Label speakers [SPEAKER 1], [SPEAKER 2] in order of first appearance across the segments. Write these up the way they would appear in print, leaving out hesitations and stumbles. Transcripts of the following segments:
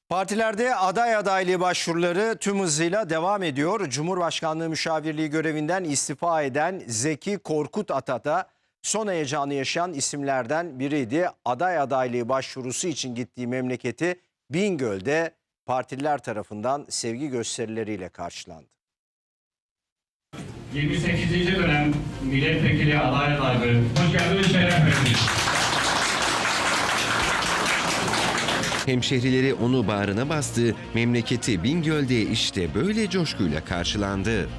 [SPEAKER 1] Partilerde aday adaylığı başvuruları tüm hızıyla devam ediyor. Cumhurbaşkanlığı müşavirliği görevinden istifa eden Zeki Korkut Ata da son heyecanı yaşayan isimlerden biriydi. Aday adaylığı başvurusu için gittiği memleketi Bingöl'de partililer tarafından sevgi gösterileriyle karşılandı.
[SPEAKER 2] 28. dönem milletvekili aday adaylığı. Hoş geldiniz, şeref verdiniz.
[SPEAKER 3] Hemşehrileri onu bağrına bastı, memleketi Bingöl'de işte böyle coşkuyla karşılandı.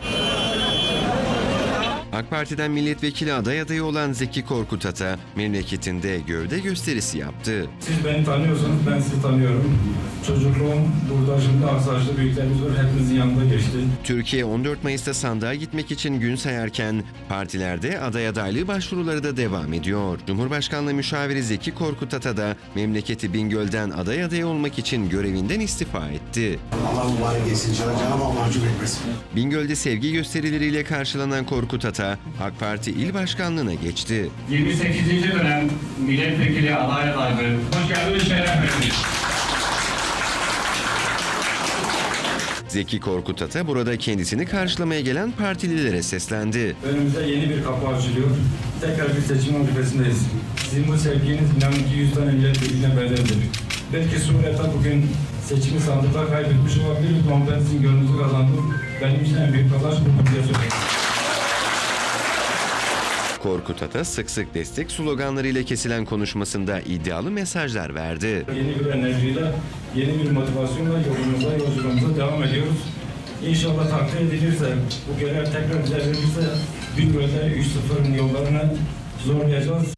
[SPEAKER 3] AK Parti'den milletvekili adayı olan Zeki Korkut Ata, memleketinde gövde gösterisi yaptı.
[SPEAKER 4] Siz beni tanıyorsanız ben sizi tanıyorum. Çocukluğum burada, şimdi Aksaray'da büyüklerimiz var, hepimizin yanında geçti.
[SPEAKER 3] Türkiye 14 Mayıs'ta sandığa gitmek için gün sayarken partilerde aday adaylığı başvuruları da devam ediyor. Cumhurbaşkanlığı müşaviri Zeki Korkut Ata da memleketi Bingöl'den aday adayı olmak için görevinden istifa etti.
[SPEAKER 5] Allah mübarek etsin, Cenab-ı mahcup etmesin.
[SPEAKER 3] Bingöl'de sevgi gösterileriyle karşılanan Korkut Ata, AK Parti il başkanlığına geçti.
[SPEAKER 2] 28. dönem milletvekili aday adaylığı. Hoş geldiniz, şeref verdiniz.
[SPEAKER 3] Zeki Korkut Ata burada kendisini karşılamaya gelen partililere seslendi.
[SPEAKER 4] Önümüzde yeni bir kapı açılıyor. Tekrar bir seçim arifesindeyiz. Sizin bu sevginiz inanın ki 100 tane milletvekiline bedeldir. Belki Suriye'de bugün seçimi sandıkta kaybetmiş olabiliriz ama ben sizin gönlünüzü kazandım. Benim için en büyük kazanç bu diye söylüyorum.
[SPEAKER 3] Korkut Ata sık sık destek sloganlarıyla kesilen konuşmasında iddialı mesajlar verdi.
[SPEAKER 4] Yeni bir enerjiyle, yeni bir motivasyonla yolculuğumuza devam ediyoruz. İnşallah takdir edilirse, bu görev tekrar bize verilirse Bingöl'de 3-0'ın yollarını zorlayacağız.